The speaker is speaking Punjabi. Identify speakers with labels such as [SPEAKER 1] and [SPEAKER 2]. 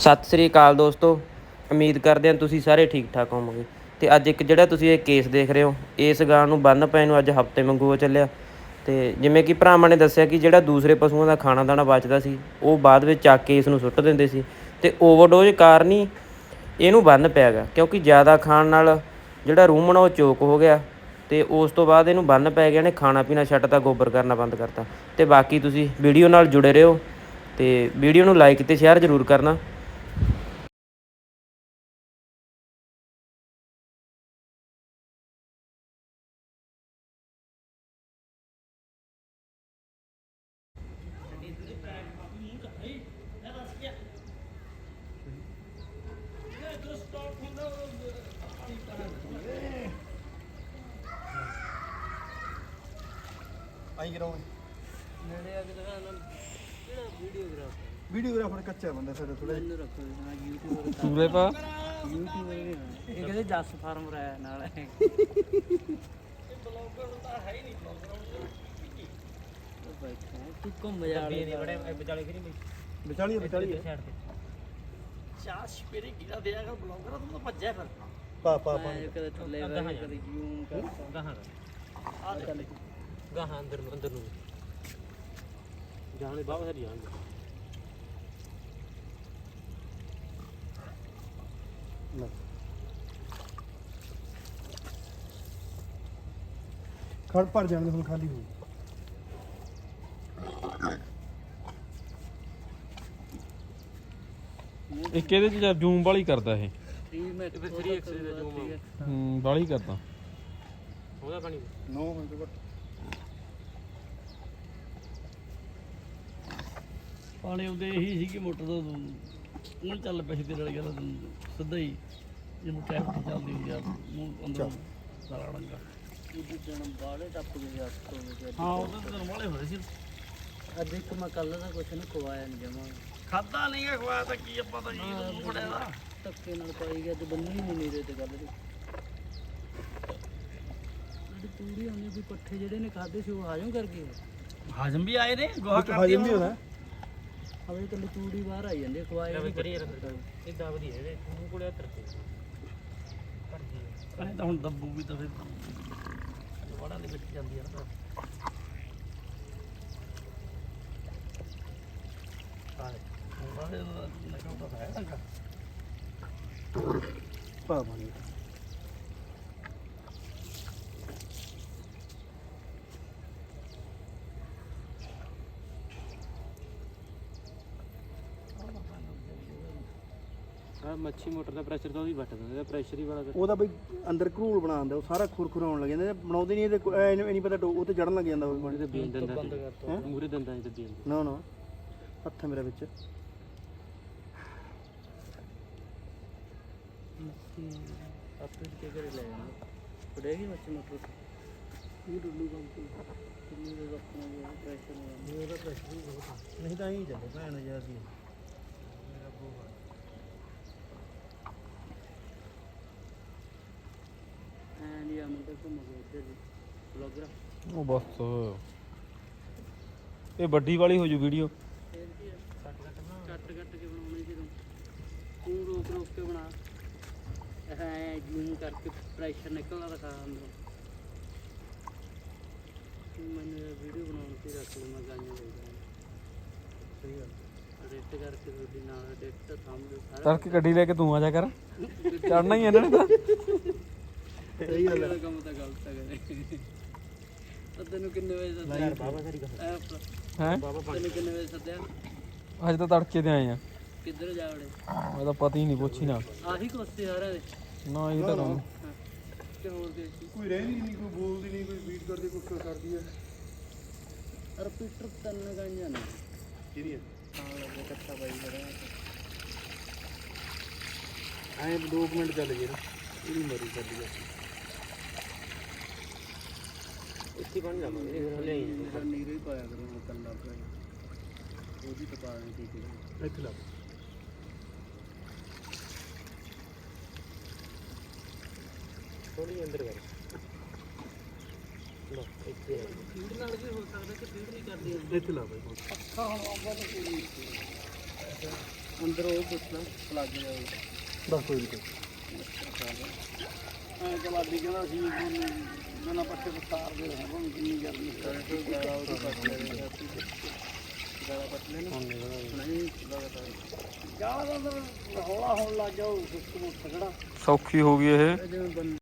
[SPEAKER 1] ਸਤਿ ਸ੍ਰੀ ਅਕਾਲ ਦੋਸਤੋ, ਉਮੀਦ ਕਰਦੇ ਹਾਂ ਤੁਸੀਂ ਸਾਰੇ ਠੀਕ ਠਾਕ ਹੋਵੋਗੇ। ਅਤੇ ਅੱਜ ਇੱਕ ਜਿਹੜਾ ਤੁਸੀਂ ਇਹ ਕੇਸ ਦੇਖ ਰਹੇ ਹੋ, ਇਸ ਗਾਂ ਨੂੰ ਬੰਨ੍ਹ ਪਏ ਨੂੰ ਅੱਜ ਹਫ਼ਤੇ ਵਾਂਗੂ ਹੋ ਚੱਲਿਆ। ਅਤੇ ਜਿਵੇਂ ਕਿ ਭਰਾਵਾਂ ਨੇ ਦੱਸਿਆ ਕਿ ਜਿਹੜਾ ਦੂਸਰੇ ਪਸ਼ੂਆਂ ਦਾ ਖਾਣਾ ਦਾਣਾ ਬਚਦਾ ਸੀ ਉਹ ਬਾਅਦ ਵਿੱਚ ਚੱਕ ਕੇ ਇਸ ਨੂੰ ਸੁੱਟ ਦਿੰਦੇ ਸੀ, ਅਤੇ ਓਵਰਡੋਜ਼ ਕਾਰਨ ਹੀ ਇਹਨੂੰ ਬੰਨ੍ਹ ਪਿਆ ਗਾ। ਕਿਉਂਕਿ ਜ਼ਿਆਦਾ ਖਾਣ ਨਾਲ ਜਿਹੜਾ ਰੂਮਨ ਉਹ ਚੋਕ ਹੋ ਗਿਆ, ਅਤੇ ਉਸ ਤੋਂ ਬਾਅਦ ਇਹਨੂੰ ਬੰਨ੍ਹ ਪੈ ਗਿਆ। ਇਹਨੇ ਖਾਣਾ ਪੀਣਾ ਛੱਡਤਾ, ਗੋਬਰ ਕਰਨਾ ਬੰਦ ਕਰਤਾ। ਅਤੇ ਬਾਕੀ ਤੁਸੀਂ ਵੀਡੀਓ ਨਾਲ ਜੁੜੇ ਰਹੋ ਅਤੇ ਵੀਡੀਓ ਨੂੰ ਲਾਈਕ ਅਤੇ ਸ਼ੇਅਰ ਜ਼ਰੂਰ ਕਰਨਾ।
[SPEAKER 2] ਵੀਡੀਓਗ੍ਰਾਫਰ ਕੱਚਾ ਬੰਦਾ ਸਾਡਾ ਥੋੜਾ
[SPEAKER 3] ਸੂਲੇ ਪਾ
[SPEAKER 4] ਇਹ ਕਹਿੰਦੇ ਜੱਸ ਫਾਰਮ ਰਾਇਆ ਨਾਲ ਹੈ। ਤੂੰ ਘੁੰਮ ਜਾ ਬੜੇ ਵਿਚਾਲੇ ਫਿਰੀ
[SPEAKER 2] ਵਿਚਾਲੀ
[SPEAKER 4] ਸਾਈਡ ਤੇ ਚਾਹ ਸਪੇਰੇ ਗਿਰਾ ਦੇ ਜਾਗਾ ਬਲੌਗਰ ਤੂੰ ਤਾਂ ਭੱਜਿਆ ਫਿਰ
[SPEAKER 2] ਪਾ
[SPEAKER 4] ਕਦੇ ਥੱਲੇ ਵਾ ਕਦੇ ਜੂਮ ਕਰ ਗਾਹਾਂ ਆ ਚੱਲ ਗਾਹਾਂ ਅੰਦਰ ਨੂੰ ਜਾਣੇ ਬਾਬਾ ਸਾਰੀ ਜਾਣਗੇ।
[SPEAKER 2] ਖੜ ਭਰ ਜਾਣ ਦੇ ਹੁਣ ਖਾਲੀ ਹੋ
[SPEAKER 3] ਇੱਕ ਇਹਦੇ ਚ ਜੂਮ ਵਾਲੀ ਕਰਦਾ ਇਹ।
[SPEAKER 4] 3x ਦਾ ਜੂਮ
[SPEAKER 3] ਵਾਲੀ ਕਰਦਾ
[SPEAKER 4] ਉਹਦਾ ਪਾਣੀ
[SPEAKER 2] 9 ਮਿੰਟ ਘੱਟ
[SPEAKER 4] ਪਾਣੀ ਉਹਦੇ ਇਹੀ ਸੀ ਕਿ ਮੋਟਰ ਤੋਂ ਉਹ ਚੱਲ ਪਈ ਤੇ ਨਾਲ ਗੱਲ ਸਿੱਧਾ ਹੀ ਜਿਹਨੂੰ ਟੈਪ ਚੱਲਦੀ ਹੁੰਦੀ ਆ ਮੂੰਹ ਅੰਦਰ ਸਾਰਾ ਰੰਗਾ ਉਹਦੇ ਜਨਮ ਬਾੜੇ ਟੱਪ ਗਏ ਹੱਥ ਤੋਂ। ਹਾਂ ਉਹਦੇ ਜਨਮ ਵਾਲੇ ਹੋਏ ਸੀ। ਅੱਜ ਇੱਕ ਮੈਂ ਕੱਲ ਦਾ ਕੁਛ ਨਹੀਂ ਖਵਾਇਆ ਨਹੀਂ ਜਮਾ ਖਾਦਾ ਨਹੀਂ ਗਾ ਖਵਾਇਆ ਤਾਂ ਕੀ ਆਪਾਂ ਤਾਂ ਜੀ ਮੂੰਹ ਫੜਿਆ ਦਾ ਧੱਕੇ ਨਾਲ ਪਾਈ ਗਿਆ ਤੇ ਬੰਨੀ ਨਹੀਂ ਨੀਰੇ ਤੇ ਗੱਲ ਦੀ ਜਿਹੜੀ ਤੂੜੀ ਆਉਂਦੀ ਸੀ ਪੱਠੇ ਜਿਹੜੇ ਨੇ ਖਾਦੇ ਸੀ ਉਹ ਹਾਜ਼ਮ ਕਰ ਗਏ। ਹਾਜ਼ਮ ਵੀ ਆਏ ਨੇ ਗੋਹਾ
[SPEAKER 2] ਹਾਜ਼ਮ ਵੀ ਹੋਣਾ
[SPEAKER 4] ਹਵੇ ਕੱਲੀ ਤੂੜੀ ਬਾਹਰ ਆਈ ਜਾਂਦੀ ਖਵਾਏ ਵੀ ਕਰੀ ਇਦਾਂ ਵਧੀਆ ਇਹਦੇ ਮੂੰਹ ਕੋਲੇ ਤਰਤੇ ਪਰ ਤਾਂ ਹੁਣ ਦੱਬੂ ਵੀ ਤਾਂ ਫਿਰ ਵੜਾ ਦੇ ਵਿੱਚ ਜਾਂਦੀ ਆ ਨਾ ਸਾਰੇ ਲਗਾਉ ਤਾਂ ਹੈ ਨਾ
[SPEAKER 2] ਪਾ ਪਾਣੀ
[SPEAKER 4] ਮੱਛੀ ਮੋਟਰ ਦਾ ਪ੍ਰੈਸ਼ਰ ਤਾਂ ਉਹਦੀ ਵੱਟ ਦਿੰਦਾ ਪ੍ਰੈਸ਼ਰ ਹੀ ਬੜਾ
[SPEAKER 2] ਉਹਦਾ ਬਈ ਅੰਦਰ ਘਰੂਲ ਬਣਾ ਦਿੰਦਾ, ਉਹ ਸਾਰਾ ਖੁਰਖੁਰ ਆਉਣ ਲੱਗ ਜਾਂਦਾ। ਬਣਾਉਂਦੇ ਨਹੀਂ ਇਹਦੇ ਇਹ ਨਹੀਂ ਪਤਾ ਉਹ ਤੇ ਜੜਨ ਲੱਗ ਜਾਂਦਾ ਉਹ
[SPEAKER 4] ਤੇ ਬੀਨ ਦਿੰਦਾ ਮੂਰੇ ਦਿੰਦਾ ਤੇ ਬੀਨ
[SPEAKER 2] ਨਾ ਹੱਥ ਮੇਰਾ ਵਿੱਚ
[SPEAKER 4] ਆਪੇ ਕੇ ਕਰੇ ਲੈ ਜਾਣਾ ਪੜੇਗੀ ਮੱਛੀ ਮੋਟਰ ਇਹ ਡੁੱਲੂ ਕੰਮ ਤੇ ਕਿੰਨੀ ਦੇ ਰੱਖਣਾ ਪ੍ਰੈਸ਼ਰ ਨਹੀਂ ਉਹਦਾ ਪ੍ਰੈਸ਼ਰ ਹੀ ਬਹੁਤ
[SPEAKER 2] ਨਹੀਂ ਤਾਂ ਹੀ ਚੱਲੇ ਭੈਣ ਯਾਰ ਦੀ
[SPEAKER 4] ਇੰਡੀਆ ਨੂੰ ਤਾਂ ਘੁੰਮ ਗਏ ਇੱਧਰ ਜੀ ਬਲੌਗਰ
[SPEAKER 3] ਉਹ ਬਸ ਇਹ ਵੱਡੀ ਵਾਲੀ ਹੋ ਜੂ ਵੀਡੀਓ।
[SPEAKER 4] ਕੱਟ ਕੇ ਬਣਾਉਣੀ ਸੀ ਤੂੰ ਰੋਕ ਕੇ ਬਣਾ ਐ ਜੂਮ ਕਰਕੇ ਪ੍ਰੈਸ਼ਰ ਨਿਕਲਦਾ ਦਿਖਾ ਅੰਦਰੋਂ। ਮੈਨੂੰ ਵੀਡੀਓ ਬਣਾਉਣ ਤੇ ਰੱਖ ਲਵਾਂ ਗਾਈਆਂ ਦੇ ਸਹੀ ਗੱਲ ਐਡਿਟ ਕਰਕੇ ਤੁਹਾਡੀ ਨਾਲ ਐਡਿਟ ਸਾਹਮਣੇ ਸਾਰਾ
[SPEAKER 3] ਤੜਕੇ ਗੱਡੀ ਲੈ ਕੇ ਤੂੰ ਆ ਜਾ ਕਰ, ਚੜਨਾ ਹੀ ਇਹਨਾਂ ਨੇ ਤਾਂ।
[SPEAKER 2] ਸਹੀ ਗੱਲ
[SPEAKER 4] ਹੈ ਕੰਮ ਤਾਂ ਗਲਤ ਹੈ ਤਾਂ ਤੈਨੂੰ ਕਿੰਨੇ ਵਜੇ ਸੱਦਿਆ ਬਾਬਾ ਸਾਰੀ ਗੱਲ
[SPEAKER 3] ਹੈ
[SPEAKER 4] ਤੈਨੂੰ ਕਿੰਨੇ ਵਜੇ ਸੱਦਿਆ
[SPEAKER 3] ਅੱਜ ਤਾਂ ਤੜਕੇ ਤੇ ਆਏ ਆ।
[SPEAKER 4] ਕਿੱਧਰ ਜਾ ਵੜੇ
[SPEAKER 3] ਮੈਂ ਤਾਂ ਪਤਾ ਹੀ ਨਹੀਂ, ਪੁੱਛੀ ਨਾ
[SPEAKER 4] ਆਹੀ ਕੋਸਤੇ ਸਾਰਿਆਂ ਦੇ
[SPEAKER 3] ਨਾ ਇਹ ਤਾਂ ਕੰਮ
[SPEAKER 4] ਤੇ ਹੋਰ ਦੇ
[SPEAKER 2] ਕੋਈ ਰਹਿੰਦੀ ਨਹੀਂ, ਕੋਈ ਬੋਲਦੀ ਨਹੀਂ, ਕੋਈ ਬੀਟ ਕਰਦੀ, ਕੁਛ ਕਰਦੀ ਹੈ।
[SPEAKER 4] ਰਿਪੀਟਰ ਤਿੰਨ ਗਾਈਆਂ ਨੇ
[SPEAKER 2] ਕਿਹਦੀ ਹੈ
[SPEAKER 4] ਹਾਂ ਲੱਗੇ ਕੱਟਾ ਬਾਈ ਖੜਾ
[SPEAKER 2] ਐਂ 2 ਮਿੰਟ ਚੱਲ ਗਏ ਨਾ ਇਹਦੀ ਮਰੀ ਚੱਲੀ ਜਾ
[SPEAKER 4] ਇੱਥੇ ਬਣ ਜਾਵਾਂਗੇ ਥੱਲੇ ਨੀਰੇ ਹੀ ਪਾਇਆ ਕਰੋ ਕੱਲਾ ਪਿਆ ਉਹਦੀ ਟਪਾ ਦੇ ਠੀਕ ਹੈ
[SPEAKER 2] ਇੱਥੇ ਲਾ
[SPEAKER 4] ਥੋੜੀ ਅੰਦਰ ਕਰ ਲੋ ਇੱਥੇ ਫੀਡ ਨਾਲ ਵੀ ਹੋ ਸਕਦਾ ਕਿ ਫੀਡ ਨਹੀਂ ਕਰਦੀ
[SPEAKER 2] ਇੱਥੇ ਲਾ ਬਾਈ
[SPEAKER 4] ਅੱਖਾਂ ਹੁਣ ਆਉਂਦਾ ਤਾਂ ਪੂਰੀ ਅੰਦਰ ਉਹ ਪੁੱਛਣਾ ਲੱਗ ਗਿਆ
[SPEAKER 2] ਬਸ ਕੋਈ ਨਹੀਂ
[SPEAKER 4] ਐ ਕਲਾਡੀ ਕਹਿੰਦਾ ਸੀ ਮੈਨਾਂ ਪੱਟੇ ਵਿਸਤਾਰ ਦੇ ਰਹੇ ਹਾਂ ਕਿੰਨੀ ਗਰਮੀ ਗਾਲਾ ਉਹ ਪੱਟ ਲੈ ਗਾਲਾ ਪੱਟ ਲੈ ਨਹੀਂ ਗਾਲਾ ਦਾ ਹੌਲਾ ਹੋਣ ਲੱਗ ਗਿਆ ਉਹ ਸਿਸਟਮ ਖੜਾ
[SPEAKER 3] ਸੌਖੀ ਹੋ ਗਈ ਇਹ
[SPEAKER 4] ਜਿਵੇਂ